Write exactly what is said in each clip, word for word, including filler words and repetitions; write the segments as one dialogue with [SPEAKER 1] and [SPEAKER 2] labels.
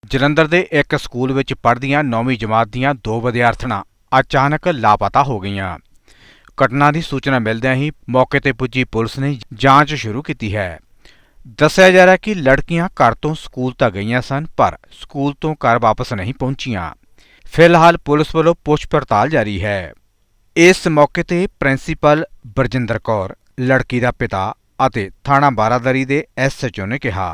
[SPEAKER 1] ਜਲੰਧਰ ਦੇ ਇੱਕ ਸਕੂਲ ਵਿੱਚ ਪੜ੍ਹਦੀਆਂ ਨੌਵੀਂ ਜਮਾਤ ਦੀਆਂ ਦੋ ਵਿਦਿਆਰਥਣਾਂ ਅਚਾਨਕ ਲਾਪਤਾ ਹੋ ਗਈਆਂ। ਘਟਨਾ ਦੀ ਸੂਚਨਾ ਮਿਲਦਿਆਂ ਹੀ ਮੌਕੇ ਤੇ ਪੁੱਜੀ ਪੁਲਿਸ ਨੇ ਜਾਂਚ ਸ਼ੁਰੂ ਕੀਤੀ ਹੈ। ਦੱਸਿਆ ਜਾ ਰਿਹਾ ਕਿ ਲੜਕੀਆਂ ਘਰ ਤੋਂ ਸਕੂਲ ਤਾਂ ਗਈਆਂ ਸਨ, ਪਰ ਸਕੂਲ ਤੋਂ ਘਰ ਵਾਪਸ ਨਹੀਂ ਪਹੁੰਚੀਆਂ। ਫਿਲਹਾਲ ਪੁਲਿਸ ਵੱਲੋਂ ਪੁੱਛ ਪੜਤਾਲ ਜਾਰੀ ਹੈ। ਇਸ ਮੌਕੇ ਤੇ ਪ੍ਰਿੰਸੀਪਲ ਬਰਜਿੰਦਰ ਕੌਰ, ਲੜਕੀ ਦਾ ਪਿਤਾ ਅਤੇ ਥਾਣਾ ਬਾਰਾਦਰੀ ਦੇ ਐਸ ਐਚ ਓ ਨੇ ਕਿਹਾ,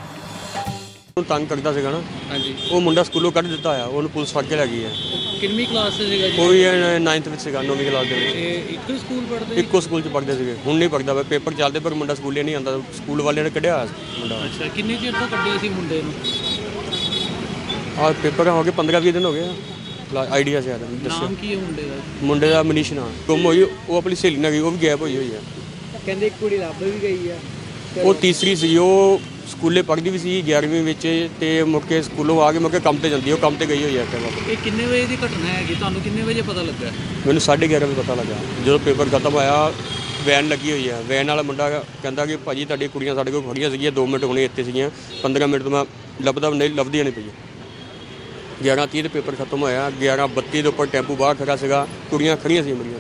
[SPEAKER 2] ਤੰਗ ਕਰਦਾ ਸੀਗਾ ਨਾ।
[SPEAKER 3] ਹਾਂਜੀ,
[SPEAKER 2] ਉਹ ਮੁੰਡਾ ਸਕੂਲੋਂ ਕੱਢ ਦਿੱਤਾ ਆ, ਉਹਨੂੰ ਪੁਲਿਸ ਫੜ ਕੇ ਲੈ ਗਈ ਹੈ।
[SPEAKER 3] ਕਿੰਨਵੀਂ ਕਲਾਸ 'ਚ ਸੀਗਾ ਜੀ?
[SPEAKER 2] ਕੋਈ ਨਾਈਨਥ ਵਿੱਚ ਸੀਗਾ, ਨੌਵੀਂ ਕਲਾਸ ਦੇ ਵਿੱਚ।
[SPEAKER 3] ਇਹ ਇੱਕੋ ਸਕੂਲ ਪੜ੍ਹਦੇ?
[SPEAKER 2] ਇੱਕੋ ਸਕੂਲ 'ਚ ਪੜ੍ਹਦੇ ਸੀਗੇ। ਹੁਣ ਨਹੀਂ ਪੜ੍ਹਦਾ, ਪੇਪਰ ਚੱਲਦੇ ਪਰ ਮੁੰਡਾ ਸਕੂਲੇ ਨਹੀਂ ਆਉਂਦਾ। ਸਕੂਲ ਵਾਲਿਆਂ ਨੇ ਕੱਢਿਆ ਹੋਇਆ ਸੀ ਮੁੰਡਾ।
[SPEAKER 3] ਅੱਛਾ, ਕਿੰਨੇ ਚਿਰ ਤੋਂ ਕੱਢਿਆ ਸੀ ਮੁੰਡੇ ਨੂੰ?
[SPEAKER 2] ਆਹ ਪੇਪਰ ਹੋ ਗਏ ਪੰਦਰਾਂ ਵੀਹ ਦਿਨ ਹੋ ਗਏ ਆ। ਆਈਡੀਆ ਸ਼ਾਇਦ ਦੱਸਿਓ।
[SPEAKER 3] ਨਾਮ ਕੀ ਹੈ ਮੁੰਡੇ ਦਾ?
[SPEAKER 2] ਮੁੰਡੇ ਦਾ ਮਨੀਸ਼ ਨਾਮ। ਗੁੰਮ ਹੋਈ ਉਹ ਆਪਣੀ ਸਹੇਲੀ ਨਾਲ ਗਈ, ਉਹ ਵੀ ਗਾਇਬ ਹੋਈ ਹੋਈ ਆ।
[SPEAKER 3] ਕਹਿੰਦੇ ਇੱਕ ਕੁੜੀ ਲੱਭ ਵੀ ਗਈ ਆ।
[SPEAKER 2] ਉਹ ਤੀਸਰੀ ਸੀ, ਉਹ ਸਕੂਲੇ ਪੜ੍ਹਦੀ ਵੀ ਸੀ ਗਿਆਰਵੀਂ ਵਿੱਚ, ਤੇ ਮੁੱਕੇ ਸਕੂਲੋਂ ਆ ਕੇ ਮੁੱਕੇ ਕੰਮ ਤੇ ਜਾਂਦੀ, ਉਹ ਕੰਮ ਤੇ ਗਈ ਹੋਈ ਹੈ।
[SPEAKER 3] ਇਹ ਕਿੰਨੇ ਵਜੇ ਦੀ ਘਟਨਾ ਹੈਗੀ? ਤੁਹਾਨੂੰ ਕਿੰਨੇ ਵਜੇ ਪਤਾ ਲੱਗਾ?
[SPEAKER 2] ਮੈਨੂੰ ਸਾਢੇ ਗਿਆਰਾਂ ਵਜੇ ਪਤਾ ਲੱਗਾ, ਜਦੋਂ ਪੇਪਰ ਖਤਮ ਹੋਇਆ। ਵੈਨ ਲੱਗੀ ਹੋਈ ਹੈ, ਵੈਨ ਵਾਲਾ ਮੁੰਡਾ ਕਹਿੰਦਾ ਕਿ ਭਾਜੀ ਤੁਹਾਡੀ ਕੁੜੀਆਂ ਸਾਡੇ ਕੋਲ ਖੜੀਆਂ ਸੀਗੀਆਂ, ਦੋ ਮਿੰਟ ਹੁਣੇ ਇੱਥੇ ਸੀਗੀਆਂ, ਪੰਦਰਾਂ ਮਿੰਟ ਤੋਂ ਮੈਂ ਲੱਭਦਾ ਨਹੀਂ, ਲੱਭਦੀਆਂ ਨਹੀਂ ਪਈਆਂ। ਗਿਆਰਾਂ ਤੀਹ ਦੇ ਪੇਪਰ ਖਤਮ ਹੋਇਆ, ਗਿਆਰਾਂ ਬੱਤੀ ਦੇ ਉੱਪਰ ਟੈਂਪੂ ਬਾਹਰ ਖੜਾ ਸੀਗਾ, ਕੁੜੀਆਂ ਖੜੀਆਂ ਸੀ ਮੇਰੀਆਂ।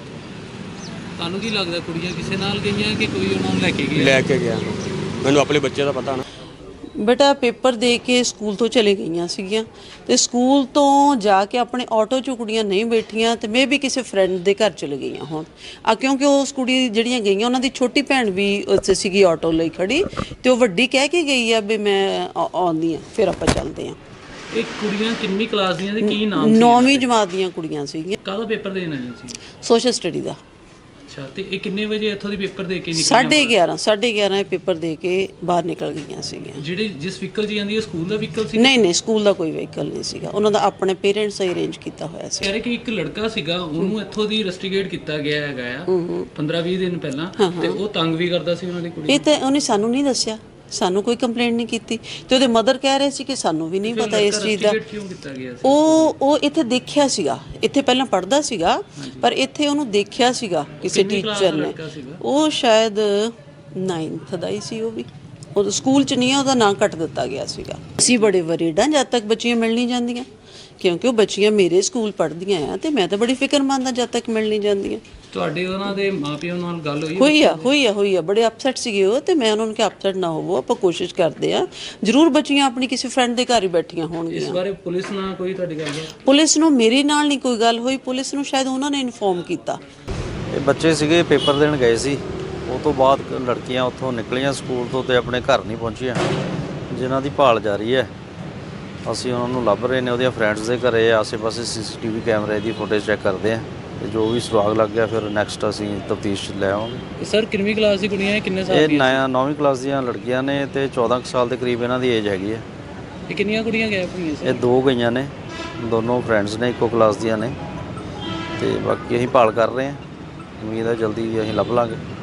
[SPEAKER 3] ਤੁਹਾਨੂੰ ਕੀ ਲੱਗਦਾ ਕੁੜੀਆਂ ਕਿਸੇ ਨਾਲ ਗਈਆਂ ਕਿ ਕੋਈ ਉਹਨਾਂ ਨੂੰ ਲੈ ਕੇ ਗਿਆ?
[SPEAKER 2] ਲੈ ਕੇ ਗਿਆ, ਮੈਨੂੰ ਆਪਣੇ ਬੱਚੇ ਦਾ ਪਤਾ ਨਾ।
[SPEAKER 4] ਬੇਟਾ ਪੇਪਰ ਦੇ ਕੇ ਸਕੂਲ ਤੋਂ ਚਲੇ ਗਈਆਂ ਸੀਗੀਆਂ, ਤੇ ਸਕੂਲ ਤੋਂ ਜਾ ਕੇ ਆਪਣੇ ਆਟੋ 'ਚ ਕੁੜੀਆਂ ਨਹੀਂ ਬੈਠੀਆਂ, ਤੇ ਮੇ ਵੀ ਕਿਸੇ ਫਰੈਂਡ ਦੇ ਘਰ ਚਲੇ ਗਈਆਂ ਹੋਣ। ਆ ਕਿਉਂਕਿ ਉਸ ਕੁੜੀ ਜਿਹੜੀਆਂ ਗਈਆਂ ਉਹਨਾਂ ਦੀ ਛੋਟੀ ਭੈਣ ਵੀ ਉੱਥੇ ਸੀਗੀ ਆਟੋ ਲਈ ਖੜੀ, ਤੇ ਉਹ ਵੱਡੀ ਕਹਿ ਕੇ ਗਈ ਆ ਵੀ ਮੈਂ ਆਉਂਦੀ ਆ, ਫਿਰ ਆਪਾਂ ਚੱਲਦੇ ਆ।
[SPEAKER 3] ਇਹ ਕੁੜੀਆਂ ਕਿੰਨੀ ਕਲਾਸ ਦੀਆਂ ਤੇ ਕੀ ਨਾਮ ਸੀ?
[SPEAKER 4] ਨੌਵੀਂ ਜਮਾਤ ਦੀਆਂ ਕੁੜੀਆਂ ਸੀਗੀਆਂ।
[SPEAKER 3] ਕਾਹਦਾ ਪੇਪਰ ਦੇਣ ਆਈਆਂ ਸੀ?
[SPEAKER 4] ਸੋਸ਼ਲ ਸਟੱਡੀ ਦਾ।
[SPEAKER 3] ਅੱਛਾ, ਤੇ ਇਹ ਕਿੰਨੇ ਵਜੇ ਇੱਥੋਂ ਦੀ ਪੇਪਰ ਦੇ ਕੇ ਨਿਕਲੀਆਂ?
[SPEAKER 4] ਸਾਢੇ ਗਿਆਰਾਂ ਸਾਢੇ ਗਿਆਰਾਂ ਇਹ ਪੇਪਰ ਦੇ ਕੇ ਬਾਹਰ ਨਿਕਲ ਗਈਆਂ ਸੀਗੀਆਂ।
[SPEAKER 3] ਜਿਹੜੇ ਜਿਸ ਵਹੀਕਲ 'ਚ ਜਾਂਦੀ ਹੈ ਸਕੂਲ ਦਾ ਵਹੀਕਲ ਸੀ?
[SPEAKER 4] ਨਹੀਂ ਨਹੀਂ, ਸਕੂਲ ਦਾ ਕੋਈ ਵਹੀਕਲ ਨਹੀਂ ਸੀਗਾ, ਉਹਨਾਂ ਦਾ ਆਪਣੇ ਪੇਰੈਂਟਸ ਨੇ ਅਰੇਂਜ ਕੀਤਾ ਹੋਇਆ ਸੀ।
[SPEAKER 3] ਕਹਿ ਰਹੇ ਕਿ ਇੱਕ ਲੜਕਾ ਸੀਗਾ, ਉਹਨੂੰ ਇੱਥੋਂ ਦੀ ਰਸਟੀਗੇਟ ਕੀਤਾ ਗਿਆ ਹੈਗਾ ਆ ਪੰਦਰਾਂ ਵੀਹ ਦਿਨ ਪਹਿਲਾਂ, ਤੇ ਉਹ ਤੰਗ ਵੀ ਕਰਦਾ ਸੀ ਉਹਨਾਂ ਦੀ ਕੁੜੀ।
[SPEAKER 4] ਇਹ ਤਾਂ ਉਹਨੇ ਸਾਨੂੰ ਨਹੀਂ ਦੱਸਿਆ, ਸਾਨੂੰ ਕੋਈ ਕੰਪਲੇਂਟ ਨਹੀਂ ਕੀਤੀ, ਤੇ ਉਹਦੇ ਮਦਰ ਕਹਿ ਰਹੇ ਸੀ ਕਿ ਸਾਨੂੰ ਵੀ ਨਹੀਂ ਪਤਾ ਇਸ ਚੀਜ਼ ਦਾ।
[SPEAKER 3] ਕਿਉਂ ਕੀਤਾ ਗਿਆ ਸੀ?
[SPEAKER 4] ਉਹ ਉਹ ਇੱਥੇ ਦੇਖਿਆ ਸੀਗਾ, ਇੱਥੇ ਪਹਿਲਾਂ ਪੜ੍ਹਦਾ ਸੀਗਾ, ਪਰ ਇੱਥੇ ਉਹਨੂੰ ਦੇਖਿਆ ਸੀਗਾ ਕਿਸੇ ਟੀਚਰ ਨੇ। ਉਹ ਸ਼ਾਇਦ ਨਾਈਨਥ ਦਾ ਹੀ ਸੀ, ਉਹ ਵੀ ਉਹ ਸਕੂਲ 'ਚ ਨਹੀਂ ਆ, ਉਹਦਾ ਨਾਂ ਕੱਟ ਦਿੱਤਾ ਗਿਆ ਸੀਗਾ। ਅਸੀਂ ਬੜੇ ਵਰੀਡ ਹਾਂ ਜਦ ਤੱਕ ਬੱਚੀਆਂ ਮਿਲ ਨਹੀਂ ਜਾਂਦੀਆਂ, ਕਿਉਂਕਿ ਉਹ ਬੱਚੀਆਂ ਮੇਰੇ ਸਕੂਲ ਪੜ੍ਹਦੀਆਂ ਆ, ਤੇ ਮੈਂ ਤਾਂ ਬੜੀ ਫਿਕਰਮੰਦ ਹਾਂ ਜਦ ਤੱਕ ਮਿਲ ਨਹੀਂ ਜਾਂਦੀਆਂ।
[SPEAKER 3] ਤੁਹਾਡੇ ਉਹਨਾਂ ਦੇ ਮਾਪਿਆਂ ਨਾਲ ਗੱਲ ਹੋਈ?
[SPEAKER 4] ਹੋਈ ਆ ਹੋਈ ਆ ਹੋਈ ਆ ਬੜੇ ਅਪਸੈਟ ਸੀਗੇ ਉਹ, ਤੇ ਮੈਂ ਉਹਨਾਂ ਨੂੰ ਕਿਹਾ ਅਪਸੈਟ ਨਾ ਹੋਵੋ, ਆਪਾਂ ਕੋਸ਼ਿਸ਼ ਕਰਦੇ ਆ, ਜ਼ਰੂਰ ਬੱਚੀਆਂ ਆਪਣੀ ਕਿਸੇ ਫਰੈਂਡ ਦੇ ਘਰ ਹੀ ਬੈਠੀਆਂ ਹੋਣਗੀਆਂ।
[SPEAKER 3] ਇਸ ਬਾਰੇ ਪੁਲਿਸ ਨਾਲ ਕੋਈ ਤੁਹਾਡੀ ਗੱਲ ਹੋਈ?
[SPEAKER 4] ਪੁਲਿਸ ਨੂੰ ਮੇਰੇ ਨਾਲ ਨਹੀਂ ਕੋਈ ਗੱਲ ਹੋਈ, ਪੁਲਿਸ ਨੂੰ ਸ਼ਾਇਦ ਉਹਨਾਂ ਨੇ ਇਨਫੋਰਮ ਕੀਤਾ।
[SPEAKER 5] ਇਹ ਬੱਚੇ ਸੀਗੇ ਪੇਪਰ ਦੇਣ ਗਏ ਸੀ, ਉਹ ਤੋਂ ਬਾਅਦ ਲੜਕੀਆਂ ਉੱਥੋਂ ਨਿਕਲੀਆਂ ਸਕੂਲ ਤੋਂ ਤੇ ਆਪਣੇ ਘਰ ਨਹੀਂ ਪਹੁੰਚੀਆਂ, ਜਿਨ੍ਹਾਂ ਦੀ ਭਾਲ ਜਾਰੀ ਹੈ। ਅਸੀਂ ਉਹਨਾਂ ਨੂੰ ਲੱਭ ਰਹੇ ਨੇ, ਉਹਦੀਆਂ ਫਰੈਂਡਸ ਦੇ ਘਰੇ ਆਸੇ-ਪਾਸੇ ਸੀ ਸੀ ਟੀ ਵੀ ਕੈਮਰੇ ਦੀ ਫੁਟੇਜ ਚੈੱਕ ਕਰਦੇ ਆ, ਤੇ ਜੋ ਵੀ ਸੁਰਾਗ ਲੱਗ ਗਿਆ ਫਿਰ ਨੈਕਸਟ ਅਸੀਂ ਤਫਤੀਸ਼ ਲੈ ਆਵਾਂਗੇ।
[SPEAKER 3] ਸਰ ਕਿੰਨਵੀਂ ਕਲਾਸ ਦੀ ਕੁੜੀਆਂ? ਕਿੰਨੇ ਸਾਲ
[SPEAKER 5] ਇਹ
[SPEAKER 3] ਦੀਆਂ?
[SPEAKER 5] ਨੌਂ ਨੌਵੀਂ ਕਲਾਸ ਦੀਆਂ ਲੜਕੀਆਂ ਨੇ, ਤੇ ਚੌਦਾਂ ਕੁ ਸਾਲ ਦੇ ਕਰੀਬ ਇਹਨਾਂ ਦੀ ਏਜ ਹੈਗੀ ਹੈ।
[SPEAKER 3] ਇਹ ਕਿੰਨੀਆਂ ਕੁੜੀਆਂ ਗਾਇਬ ਹੋਈਆਂ ਸਰ?
[SPEAKER 5] ਇਹ ਦੋ ਗਈਆਂ ਨੇ, ਦੋਨੋਂ ਫਰੈਂਡਸ ਨੇ, ਇੱਕੋ ਕਲਾਸ ਦੀਆਂ ਨੇ, ਤੇ ਬਾਕੀ ਅਸੀਂ ਭਾਲ ਕਰ ਰਹੇ ਹਾਂ। ਉਮੀਦ ਹੈ ਜਲਦੀ ਅਸੀਂ ਲੱਭ ਲਾਂਗੇ।